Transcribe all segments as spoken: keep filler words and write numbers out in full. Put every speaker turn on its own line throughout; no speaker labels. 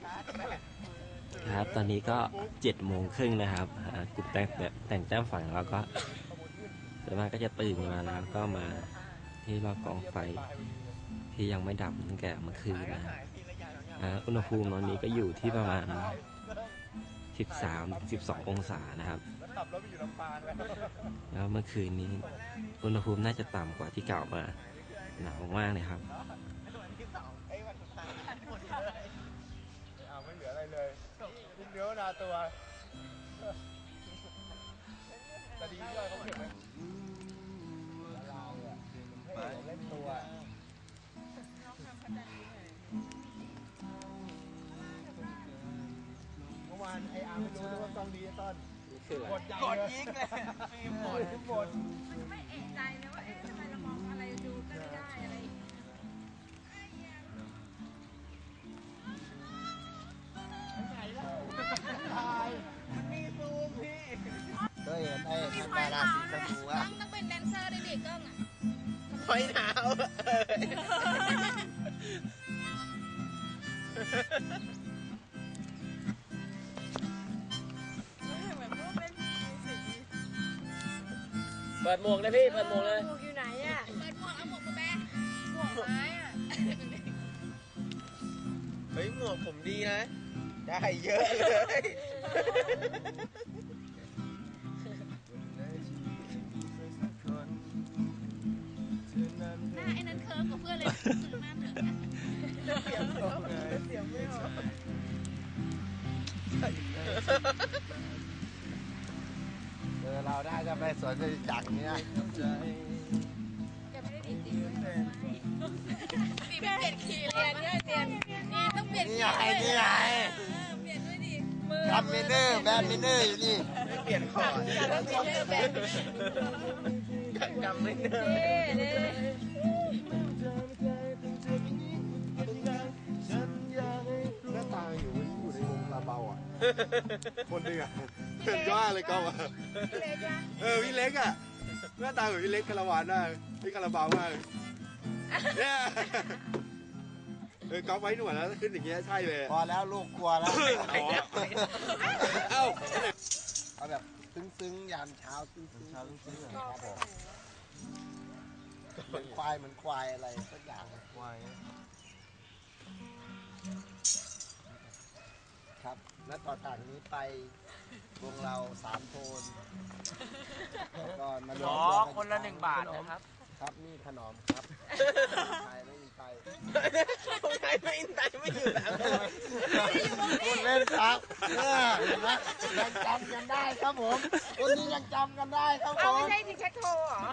ครับตอนนี้ก็เจ็ดโมงครึ่งนะครับกลุ่มแต่งแต่งแต้มฝั่งเราก็ส่วนมากก็จะตื่นมาแล้วก็มาที่รอบกองไฟที่ยังไม่ดับตั้งแต่เมื่อคืนนะครับอุณหภูมิตอนนี้ก็อยู่ที่ประมาณสิบสามถึงสิบสององศานะครับแล้วเมื่อคืนนี้อุณหภูมิน่าจะต่ำกว่าที่เก่ามาหนาวมากเลยครับ
ไม่เหลืออะไรเลยเนื้อนาตัวแต่ดีด้วยเขาเก็บไว้เราอะเล่นตัวเมื่อวานไอ้อาร์ไม่รู้ด้วยว่าต้องดีต้นกดกดยิงเลยฟิล์มหมดทุกคน
มันไม่เอะใจนะว่าเอ๊ะทำไมเรามองอะไรดูก็ไม่ได้อะไร
มันมีซูมพี่
ก็เห็นไอ้ทำดาราสีชมพูอ่ะ
ต้องเป็นแดนเซอร์ได้ดิกล้องอ่ะ
คอยหนาวเปิดหมวกเลยพี่เปิดหมวกเลย
หมวกอยู่ไหนอ่ะเปิดหมวกเอาหมวกมาแบะหมวกไม้อ่ะ
เฮ้ยหมวกผมดีนะได้เยอะเลย
หน้าไอ้นั้นเคิร์ฟกับเพื่อนเลยซื้อหน้าเถอะ
เสียงไม่ออกเสียงไม่ออกเออเราได้จะไปสวนจตุจักรเนี่ย
จะไม่ได้ดีจริงเลยดีเปลี่ยนคีย์เลยเนี่ยเปลี่ยนนี่ต้องเปลี่ยน
นี่ไงนี่ไง
เปลี่ยนด้วยดิมือ
ทำมินเนอร์แบนมินเนอร์อยู่นี่ไม่เปลี่ยนคอร์ด
การมินเนอร์แบน
กำมินเนอร์
นี่
หน้าตาอยู่อยู่ในวงลาเบาอ่ะคนหนึ่งอ่ะเห็นว่าเลยก็ว่าเออพี่เล็กอ่ะหน้าตาเหมือนพี่เล็กคาราวานได้พี่คาราบาวมากเนี่ยเออก๊อฟไว้หนวดแล้วขึ้นอย่างเงี้ยใช่เลย
พอแล้วลูกกลัวแล้ว
เอ้า
เอาแบบซึ้งๆยามเช้าซึ้งๆเช้าซึ้งๆครับผมเหมือนควายเหมือนควายอะไรสักอย่างควายครับและต่อจากนี้ไปวงเราสามโทนก่อนมาล้อ
คนละหนึ่งบาทนะครับ
ครับนี่ขนมครับไทยไม่อินไทยคนไทยไม่อินไทยไม่อยู่แล้วพูดเล่นครับยังจำกันได้ครับผมคนนี้ยังจำกันได้ครับผม
ไม่ใช่ที่เช็คโทรหรอ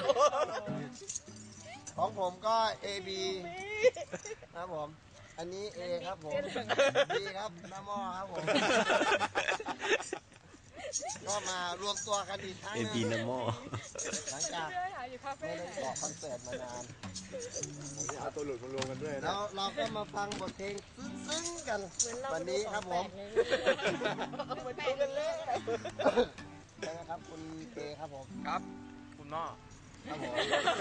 ของผมก็ เอ บี ครับผมอันนี้ A ครับผม B ครับน้ำหม้อครับผมก็มารวมตัวกันอีกครั้งนึง
A บี น้ำหม้อ
หลังจากไม่ได้ออกคอนเสิร์ตมานาน
เอาตัวหลุดมารวมกันด้วย
แล้วเราก็มาฟังบทเพลงซึ้งๆกันวันนี้ครับผมเหมือนกันเลยใช่ไหมครับคุณเอครับผม
ครับคุณหม้อ
ครับผม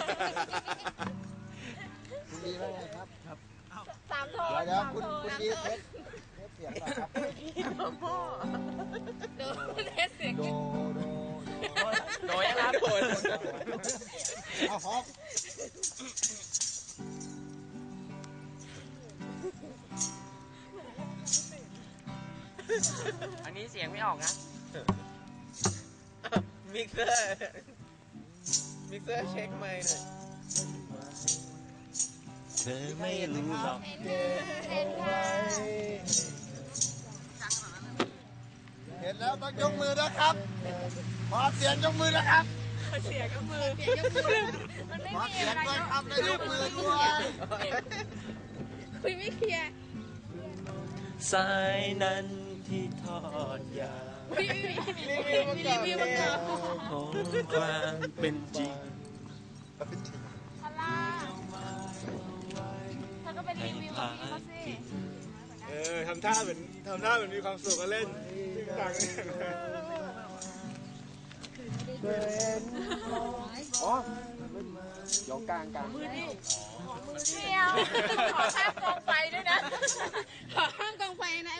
คุณดีว่าไงครับครับ
สามโทน
เดี๋ยวคุณคุณดีเทสเทสเสียงก่อนครับ
พ่อโดเทสเสียง
โดโด
โดยนะครับโดย
เอาฮอก
อันนี้เสียงไม่ออกนะ
มิกเซอร์มิกเซอร์เช็คไมค์หน่อย
เธอไม่รู้หรอก
เห็นแล้วต้องยกมือนะครับขอเสียงยกมือนะครับ
เสียงยกมือเสียงยกมือมันไม่มีอะไร
ด้วยครับแล้วยกมือด้วย
คุยไม่เคลียร์
สายนั้นที่ทอดยา
รีวิวรีวิวมาก่อน
ของความเป็นจริง
พล่าเธอก็เป็นรีวิวของพี่เขาสิ
เออทำท่าเหมือนทำท่าเหมือนมีความสุขกันเล่นต่างอ๋อยกกลางกลาง
มือดิมือเดียวขอข้ามกองไฟด้วยนะขอข้ามกองไฟนะ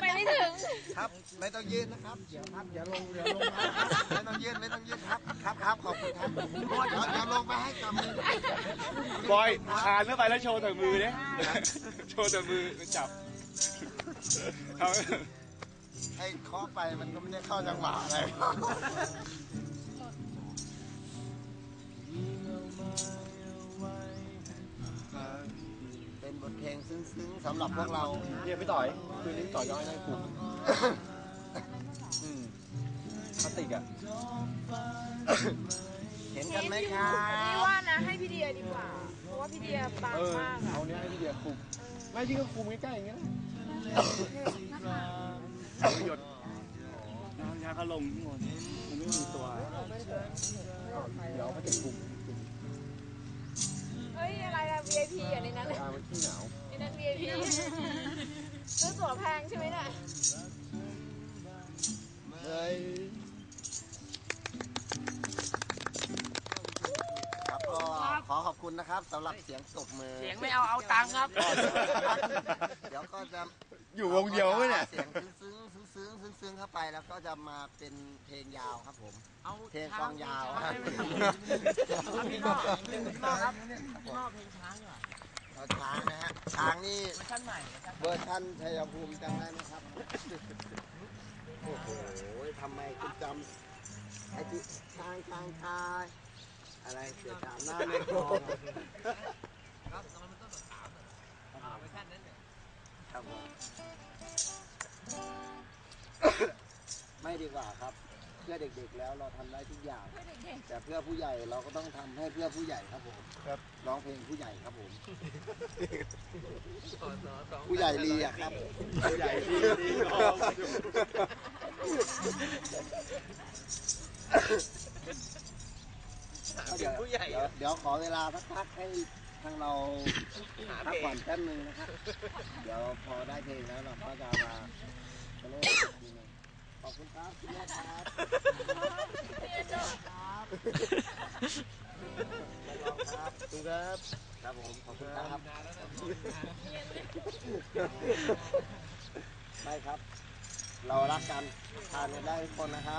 ครับ ไม่ต้องยืนนะครับเดี๋ยวครับเดี๋ยวลงเดี๋ยวลงมาไม่ต้องยืนไม่ต้องยืนครับครับครับขอบคุณครับเดี๋ยวเดี๋ยวลงไปให้กับมือบ
อยคานเข้าไปแล้วโชว์แต่มือเนี่ยโชว์แต่มือจับเอา
ไอ้เคาะไปมันก็ไม่ได้เข้าจังหวะอะไรเป็นบทเพลงซึ้งๆสำหรับพวกเรา
เนี่ยพี่ต่อยคืนนี้ต่อยย้อยได้กลุ่มพลาสติกอ่ะ
เห็นกันไหมครั
พี่
บ
ว่านะให้พี่เดียดีกว่า เพราะว่าพี่เดียบางมากอะ
เอาเนี้ยให้พี่เดียคุมไม่ยิ่งก็คุมใกล้ๆอย่างเงี้ยหยดน้ำยาเขาลงทั้งหมดมันไม่มีตัวเดี๋ยวเขาจะคุม
เฮ้ยอะไรอะ วี ไอ พี อ่ะในนั้นเลย
ตามันขี้หนาว
ในนั้น วี ไอ พี ซื้อตั๋วแพงใช่ไหมเนี่ย
เฮ้ยครับก็ขอขอบคุณนะครับสำหรับเสียงตบมือ
เสียงไม่เอาเอาตังค์ครับ
เดี๋ยวก็จะ
อยู่วงเดียวไหมเนี่ย
เสียงซึ้งๆซึ้งๆซึ้งๆเข้าไปแล้วก็จะมาเป็นเพลงยาวครับผม
เอา
เพลงกลองยาวครับ
เอาพี่นอกพี่นอกครับพี่นอกเพลงช้างเหรอ
เอาช้างนะฮะช้างนี่
เวอร์ชันใหม่
เวอร์ชันชัยภูมิจำได้ไหมครับโอ้โหทำไมคุณจำไอ้ที่ช้างช้างชายอะไรเสียจามหน้าไม่พอ
ครับตอนมันต้นสามเวอร์ชันนั้นเนี่ย
ครับผมไม่ดีกว่าครับ เพื่อเด็กๆแล้วเราทำได้ทุกอย่าง แต่เพื่อผู้ใหญ่เราก็ต้องทำให้เพื่อผู้ใหญ่ครับผมครับร้องเพลงผู้ใหญ่ครับผม ผู้ใหญ่ลีอะครับ
ผู้ใหญ่ดีดีร้องอยู่
เดี๋ยวเดี๋ยวเดี๋ยวขอเวลาสักพักให้ทางเราพักผ่อนแป๊บนึงนะครับ เดี๋ยวพอได้เพลงแล้วเราก็จะมาเล่นอีกทีหนึงขอบคุณครับคุณแม่ครับครับครับคุณครับครับผมขอบคุณครับไม่ครับ เรารักกันทานกันได้ทุกคนนะครับ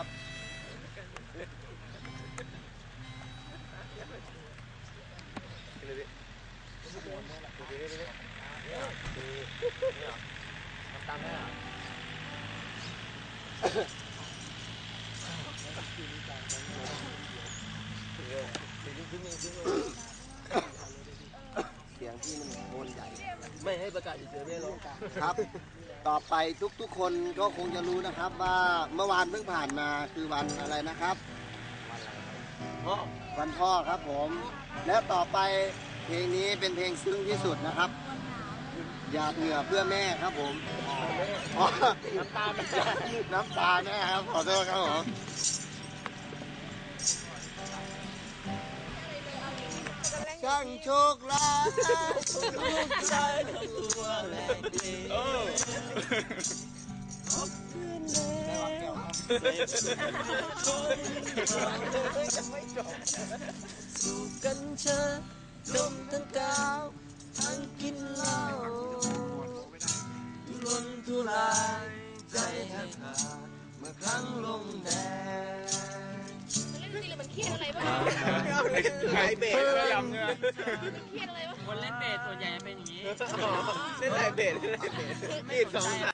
เสียงที่มันโคนใหญ่
ไม่ให้ประกาศเฉยๆไม่ร้อง
ครับ ต่อไปทุกๆคนก็คงจะรู้นะครับว่าเมื่อวานเพิ่งผ่านมาคือวันอะไรนะครับ
พ่อ
วันพ่อครับผม แล้วต่อไปเพลงนี้เป็นเพลงซึ้งที่สุดนะครับ หยาดเหงื่อเพื่อแม่ครับผมอ๋อ
น้ำตาไม่
น้ำตาแม่ครับขอโทษครับผม ช่างโชคร้ายลูกชายตัวแม่ดี
เออ
สู่กันเชอดมทั้งกาวทั้งกินเหล้าลนทุรายใจหักขาดเมื่อครั้งลงแดง
มันเล่นดนตรีหรือมันเครียดอะไรบ้าง
ไก่เบสยำเนี่ย
เครียดอะไรบ้าง
คนเล่นเบสส่วนใหญ่จะเป็นอย่างนี้
เล่นไก่เบสเล่นไก่เบสนี่สอง